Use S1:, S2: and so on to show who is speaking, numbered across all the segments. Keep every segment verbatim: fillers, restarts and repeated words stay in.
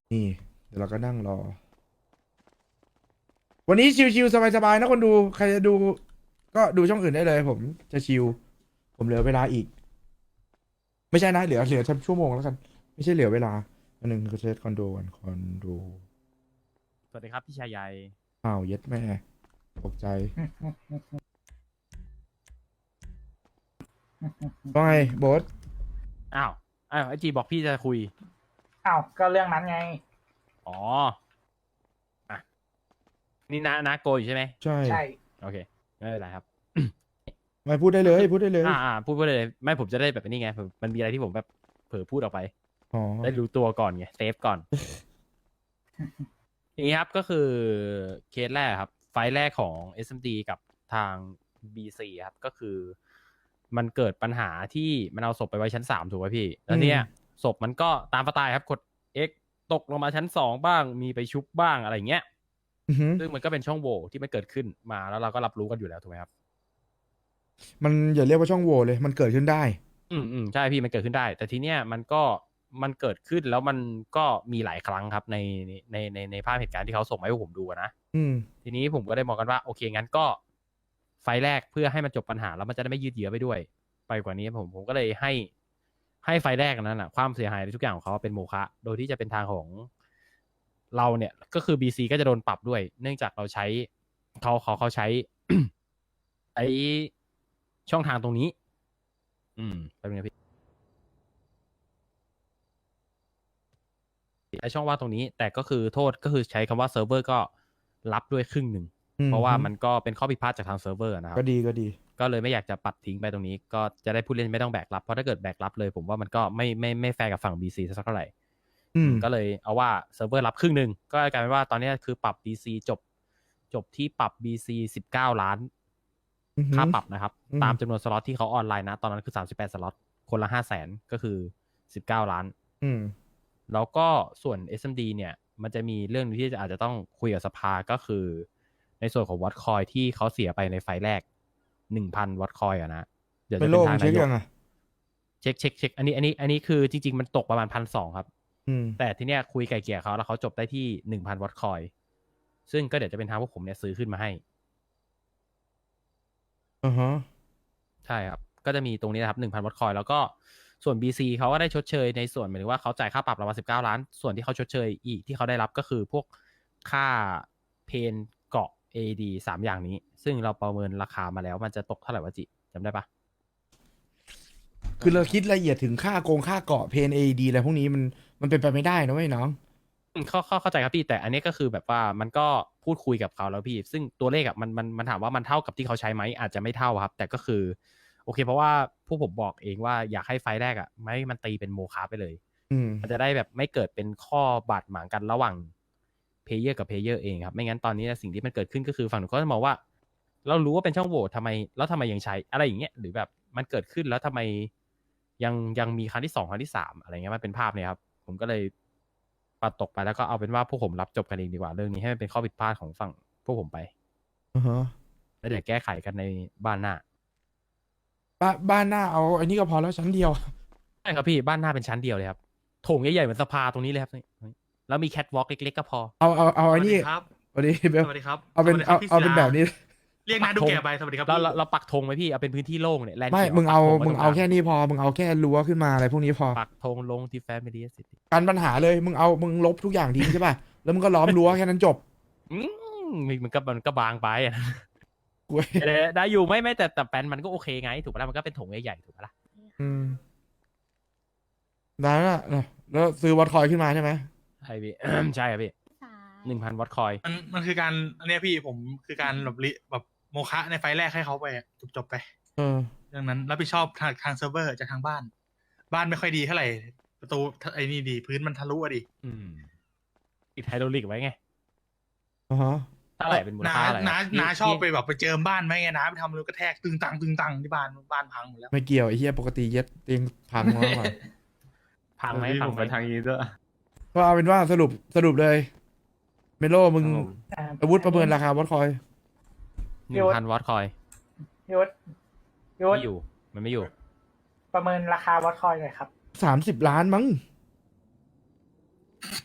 S1: นี่เดี๋ยวเราก็นั่งรอ วันนี้ชิวๆสบายๆนะคนดูใครจะดูก็ดูช่องอื่นได้เลยผมจะชิวผมเหลือเวลาอีกไม่ใช่นะเหลือเหลือแค่ชั่วโมงแล้วกันไม่ใช่เหลือเวลาอันหนึ่งคือเซตคอนโดกันคอนโด
S2: สวัสดีครับพี่ชายใหญ่
S1: อ้าวเย็ดแม่ตกใจว่าไงโบ๊ท
S2: อ้าวอ้าวไอจีบอกพี่จะคุย
S3: อ้าวก็เรื่องนั้นไง
S2: อ๋ออ่ะนี่นานาโกอยู่ใช่ไหม
S1: ใช่
S3: ใช่
S2: โอเคไม่เป็นไรครับ
S1: ไม่พูดได้เลยพูดได้เลย
S2: อ่าอ่าพูดไปเลยไม่ผมจะได้แบบนี้ไงผมมันมีอะไรที่ผมแบบเผลอพูดออกไป
S1: อ๋อ
S2: ได้รู้ตัวก่อนไงเซฟก่อนอย่างนี้ครับก็คือเคสแรกครับไฟล์แรกของ เอส เอ็ม ดี กับทาง บี ซี ครับก็คือมันเกิดปัญหาที่มันเอาศพไปไว้ชั้นสามถูกไหมพี่แล้วเนี่ยศพมันก็ตามสไตล์ครับกด X ตกลงมาชั้นสองบ้างมีไปชุบบ้างอะไรเงี้ย
S1: อือหือ
S2: ซึ่งมันก็เป็นช่องโหว่ที่มันเกิดขึ้นมาแล้วเราก็รับรู้กันอยู่แล้วถูกไหมครับ
S1: มันอย่าเรียกว่าช่องโหว่เลยมันเกิดขึ้นได้
S2: อืมอืมใช่พี่มันเกิดขึ้นได้ แต่ทีเนี้ยมันก็มันเกิดขึ้นแล้วมันก็มีหลายครั้งครับในในในในภาพเหตุการณ์ที่เขาส่งมาให้ผมดูอะนะ
S1: อืม
S2: ทีนี้ผมก็ได้มองกันว่าโอเคงั้นก็ไฟล์แรกเพื่อให้มันจบปัญหาแล้วมันจะได้ไม่ยืดเยื้อไปด้วย ไปกว่านี้ผมผมก็เลยให้ให้ไฟล์แรกนั้นอะความเสียหายในทุกอย่างของเขาเป็นโมฆะโดยที่จะเป็นทางของเราเนี่ยก็คือ บี ซี ก็จะโดนปรับด้วย เนื่องจากเราใช้เขาเขาเขาใช้ ไอช่องทางตรงนี้ อืมแป๊บนึงนะพี่ ไอช่องว่างตรงนี้แต่ก็คือโทษก็คือใช้คำว่าเซิร์ฟเวอร์ก็รับด้วยครึ่งหนึ่ง
S1: อืม
S2: เพราะว่ามันก็เป็นข้อผิดพลาดจากทางเซิร์ฟเวอร์นะครับ
S1: ก็ดีก็ดี
S2: ก็เลยไม่อยากจะปัดทิ้งไปตรงนี้ก็จะได้ผู้เล่นไม่ต้องแบกรับเพราะถ้าเกิดแบกรับเลยผมว่ามันก็ไม่ไม่ไม่แฟร์กับฝั่ง บี ซี สักเท่าไหร่
S1: อืม
S2: ก็เลยเอาว่าเซิร์ฟเวอร์รับครึ่งหนึ่งก็กลายเป็นว่าตอนนี้คือปรับ บี ซี จบจบที่ปรับ บี ซี สิบเก้าล้าน
S1: อือหือ
S2: ค่าปรับนะครับ
S1: อืม
S2: ตามจำนวนสล็อตที่เขาออนไลน์นะตอนนั้นคือสามสิบแปดสล็อตคนละห้าแสนก็คือสิบเก้าล้าน
S1: อืม
S2: แล้วก็ส่วน เอส เอ็ม ดี เนี่ยมันจะมีเรื่องที่อาจจะต้องคุยกับสภาก็คือในส่วนของวัตคอยที่เขาเสียไปในไฟล์แรกหนึ่งพันวัตคอยอะนะเดี๋ยว
S1: ไม่
S2: จะ
S1: โลกเช็
S2: เป็นทางนายก
S1: คยังอ่ะ
S2: เช็คเช็คเช็คอันนี้อันนี้อันนี้คือจริงๆมันตกประมาณพันสองครับ
S1: อืม
S2: แต่ทีเนี้ยคุยไกลเกลี่ยเขาแล้วเขาจบได้ที่หนึ่งพันวัตคอยซึ่งก็เดี๋ยวจะเป็นทางพวกผมเนี่ยซื้อขึ้นมาให้
S1: อ่าฮะ
S2: ใช่ครับก็จะมีตรงนี้นะครับหนึ่งพันวัตคอยแล้วก็ส่วน บี ซี เขาก็ได้ชดเชยในส่วนหมายถึงว่าเขาจ่ายค่าปรับเรามาสิบเก้าล้านส่วนที่เขาชดเชยอีกที่เขาได้รับก็คือพวกค่าเพนเกาะ เอ ดี สามอย่างนี้ ซึ่งเราประเมินราคามาแล้วมันจะตกเท่าไหร่วะจิจำได้ปะ
S1: คือเราคิดละเอียดถึงค่าโกงค่าเกาะเพนเอดีอะไรพวกนี้มันมันเป็นไปไม่ได้นะเว้ยน้อง
S2: อืมเข้าเข้าเข้าใจครับพี่แต่อันนี้ก็คือแบบว่ามันก็พูดคุยกับเขาแล้วพี่ ซึ่งตัวเลขอะมันมันมันถามว่ามันเท่ากับที่เขาใช้ไหมอาจจะไม่เท่าครับ แต่ก็คือโอเคเพราะว่าผู้ผมบอกเองว่าอยากให้ไฟล์แรกอะไม่มันตีเป็นโมฆะไปเลย
S1: อืม
S2: มันจะได้แบบไม่เกิดเป็นข้อบาดหมางกันระหว่างเพลเยอร์กับเพลเยอร์เองครับไม่งั้นตอนนี้สิ่งที่มันเกิดขึ้นก็คือฝั่งหนูก็จะมองว่า เรารู้ว่าเป็นช่องโหว่ทำไมแล้วทำไมยังใช้อะไรอย่างเงี้ยหรือแบบมันเกิดขึ้นแล้วทำไมยังยังมีครั้งที่สองครั้งที่สามอะไรเงี้ยมันเป็นภาพเนี่ยครับผมก็เลยปัดตกไปแล้วก็เอาเป็นว่าพวกผมรับจบกันเองดีกว่าเรื่องนี้ให้มันเป็นข้อผิดพลาดของฝั่งพวกผมไป
S1: อ่าฮะ
S2: แล้วเดี๋ยวแก้ไขกันในบ้านหน้า
S1: บ้านบ้านหน้าเอาอันนี้ก็พอแล้วชั้นเดียว
S2: ใช่ครับพี่บ้านหน้าเป็นชั้นเดียวเลยครับโถงใหญ่ๆเหมือนสภาตรงนี้เลยครับนี่แล้วมีแคทวอล์กเล็กๆก็พอ
S1: เอาเอาเอา
S4: ส
S1: ไอ้
S4: วัส
S1: นี่
S4: ดีครับ
S1: สวัสดีเบล
S4: สวัสดีครับ
S1: เอาเป็น
S4: สวัสดีค
S1: เอา
S4: รับพี่
S1: เอา
S4: ศิ
S1: เป็น
S4: ลา
S1: แบบนี้
S4: เรียกนาดูแก่ไปสวัสดีครับ
S2: เรา
S4: พี่
S2: เราเราปักธงไว้พี่เอาเป็นพื้นที่โล่งเนี่ยแลนด์
S1: ไม่
S2: เขียว
S1: มึงเอา
S2: ปักธไว้
S1: มึง
S2: ตร
S1: เอา
S2: กล
S1: แค่นี้พอมึงเอาแค่รั้วขึ้นมาอะไรพวกนี้พอ
S2: ปักธงลงที่แฟมิลี่ซิตี้
S1: กันปัญหาเลยมึงเอามึงลบทุกอย่างทิ้งใช่ป่ะแล้วมึงก็ล้อมรั้วแค่นั้นจบ
S2: อืมมันก็มันก็บางไปอะ
S1: เว้ย
S2: ได้ได้อยู่ไม่ไม่แต่แต่แปลนมันก็โอเคไงถูกปะล่ะมันก็เป็นถงใหญ่ๆถูกปะล่ะ
S1: อืมได้ละเนอะแล้วซื้อวัดคอยขึ้นมาใช่ไหม
S2: ใช่พี่ ใช่ครับพี่หนึ่งพันวัตคอย
S4: มันมันคือการอันเนี้ยพี่ผมคือการแบบลิแบบโมฆะในไฟล์แรกให้เขาไปจบจบๆไป
S1: เออ
S4: เรื่องนั้นรับผิดชอบทางทางเซิร์ฟเวอร์จากทางบ้าน บ้านไม่ค่อยดีเท่าไหร่ประตูไอ้นี่ดีพื้นมันทะลุอะดิ
S2: อืมติดไฮดรอลิกไว้ไง
S1: อ่าฮะ
S2: เท่าไหร่เป็นมูล
S4: น้า
S2: ค่าอะไร
S4: น้า
S2: พี่
S4: น้าชอบไป
S2: พี่
S4: แบบไปเจิมบ้านไหมไงน้าไปทำรูกระแทกตึงตังตึงตังที่บ้านบ้านพังหมดแล้ว
S1: ไม่เกี่ยวไอ้เหี้ยปกติเย็ดเตียงพังมาก่อน
S2: พังไหมพังไหม
S1: ก็เอาเป็นว่าสรุปสรุปเลยเมโลมึง
S3: อ่า
S1: อาวุธประเมินราคาวัดคอย
S2: หนึ่งพันวัตคอย
S3: ยศยศ
S2: ไม่อยู่มันไม่อยู่
S3: ประเมินราคาวัดคอยหน่อยครับ
S1: สามสิบล้านมั้ง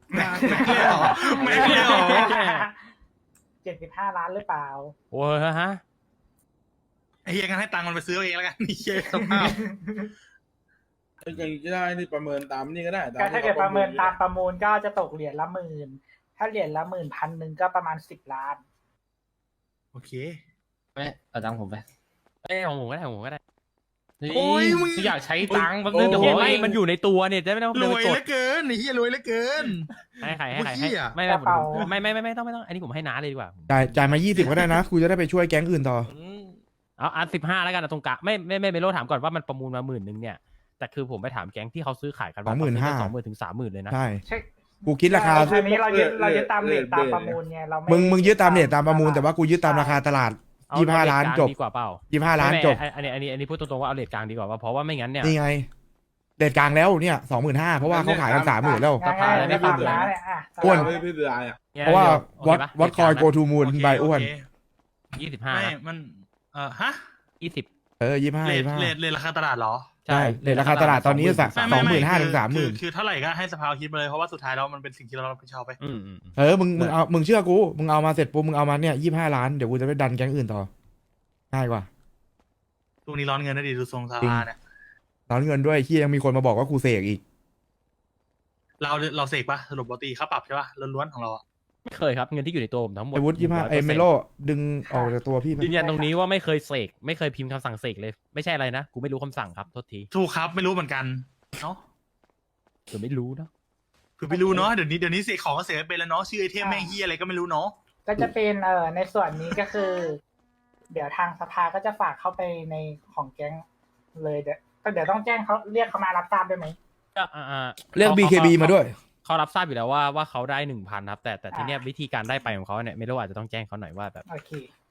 S4: แม็กเลยเหรอแม็กเลยเหรอ
S3: เจ็ดสิบห้าล้านหรือเปล่า
S2: โอ้ยฮะ
S4: ไอ้เฮียกันให้ตังค์มันไปซื้อเอาเองแล้วกันนี่เฮียสภาพ
S5: อย่างนี้ก็ได้นี่ประเมินตามนี่ก็ได้
S3: ก็ถ้าเกิดประเมินตาม
S5: ป
S3: ประ ระมูลก็จะตกเหรียญละหมื่น ถ้าเหรียญละหมื่นพันหนึ่งก็ประมาณสิบล้าน
S4: โอเค
S6: ไม่เอาตังค์ผมไป
S2: เอ้ยของผมก็ได้ของผมก็ได้
S4: โอ้ยมึง
S6: อยากใช้ตังค์แป๊บนึงเดี๋ยว
S2: เดี๋
S6: ผ
S2: ยว
S6: ม
S2: ไม่
S6: ให้
S2: มันอยู่ในตัวเนี่ยจะไม่ต้อง
S4: ร
S2: เดิน
S4: ว
S2: ไป
S4: ย
S2: ก
S4: เห
S2: ด
S4: ลือเกินไอ้เฮียรวยเหลือเกิน
S2: ให้ใครให้ใคร
S4: เมื่อกี้
S2: ให้
S4: อะ
S2: ไม่
S3: ก
S2: ไม่
S3: ระเป๋า
S2: ไม่ไม่ไม่ไม่ต้องไม่ต้องอันนี้ผมให้น้าเลยดีกว่า
S1: จ่ายจ่ายมายี่สิบก็ได้นะกูจะได้ไปช่วยแก๊งอื่นต่อ
S2: เอาอันสิบห้าแล้วกันนะตรงกะไม่ไม่ไม่ไม่โลถามก่อนว่ามันประมูลมาหมื่นนึงเนี่ยแต่คือผมไปถามแก๊งที่เขาซื้อขายกัน
S1: สองหมื่นห้า
S2: สองหมื่นถึงสามหมื่นเลยนะ
S1: ใช่
S3: ใช่
S1: กูคิดราคา
S3: อันนี้เรายึดเรายึดตามเรทตามประมูลไงเรา
S1: มึงมึงยึดตามเรทตามประมูลแต่ว่ากูยึดตามราคาตลาด
S2: เอ
S1: ยี่สิบห้าล้าน
S2: เรทกลง
S1: จบ
S2: ดีกว่าเปล่า
S1: ยี่สิบห้าล้าน
S2: ไม่
S1: จบ
S2: ไม่อันนี้อันนี้อันนี้พูดตรงๆว่าเอาเรทกลางดีกว่าว่าเพราะว่าไม่งั้นเนี่ย
S1: นี่ไงเรทกลางแล้วเนี่ยสองหมื่นห้าเพราะว่าเขาขายกันสามหมื่นแล้ว
S3: ง่ายๆไม่ตามร้านเนี่ยอ่ะ
S1: อ้วน
S5: ไม่พี่เดืออ่ะ
S1: เพราะว่าวัดวัดคอยโกทูมูล
S4: โอเค
S1: ใบอ้วน
S4: โเค
S2: ยี่สิบห้า
S4: ไม่มันเอ่อฮะ
S2: ยี่สิบ
S1: เออยี่ห้า
S4: เลท
S1: ยี่ห้า
S4: เลทเลทราคาตลาดเหรอ
S1: ใช่เรทราคาตลาดตอนนี้สัก
S4: ไม่
S1: ส
S4: ไม่
S1: องหมื่นห้า
S4: ไ
S1: ถึงสามหมื่น
S4: คือคือเท่าไหร่ก็ให้สภาคิดมาเลยเพราะว่าสุดท้ายแล้วมันเป็นสิ่งที่เรารับผิดชอบไป
S2: อืมอืมอืม
S1: เออมึงมึงเอามึงเชื่อกูมึงเอามาเสร็จปุ๊บมึงเอามาเนี่ยยี่ห้าล้านเดี๋ยวกูจะไปดันแก๊งอื่นต่อง่ายกว่า
S4: ช่วงนี้ร้อนเงินนะดิดูทรงส
S1: จริง
S4: ภาเนี่ย
S1: ร้อนเงินด้วยที่ยังมีคนมาบอกว่ากูเสกอีก
S4: เราเราเสกปะสรุปปกติค่าปรับใช่ปะล้วนๆของเราอะ
S2: ไม่เคยครับเงินที่อยู่ในตัวผมทั้งหมด
S1: ไอวุฒิยี่ห้าไอเมโลดึงออกจากตัวพี่ไป
S2: ยืนยันตรงนี้ว่าไม่เคยเสกไม่เคยพิมพ์คำสั่งเสกเลย ไม่ใช่อะไรนะกูไม่รู้คำสั่งครับโทษที
S4: ถูกครับไม่รู้เหมือนกันเนาะ
S2: เดี๋ยวไม่รู้เนาะ
S4: คือไม่รู้เนาะเดี๋ยวนี้เดี๋ยวนี้เสกของก็เสกไม่เป็นแล้วเนาะชื่อไอเทมแม่งเฮียอะไรก็ไม่รู้เนาะ
S3: ก็จะเป็นเอ่อในส่วนนี้ก็คือ เดี๋ยวทางสภาก็จะฝากเข้าไปในของแก๊งเลยเดี๋ยวก็เดี๋ยวต้องแจ้งเขาเรียกเขามารับทราบด้วยไหม
S2: ก็อ่าอ่า
S1: เรียก บี เค บี มาด้วย
S2: เขารับทราบอยู่แล้วว่าว่าเขาได้หนึ่งพันครับแต่แต่ทีเนี้ยวิธีการได้ไปของเขาเนี่ยไม่รู้อาจจะต้องแจ้งเขาหน่อยว่าแบบ
S3: โอเค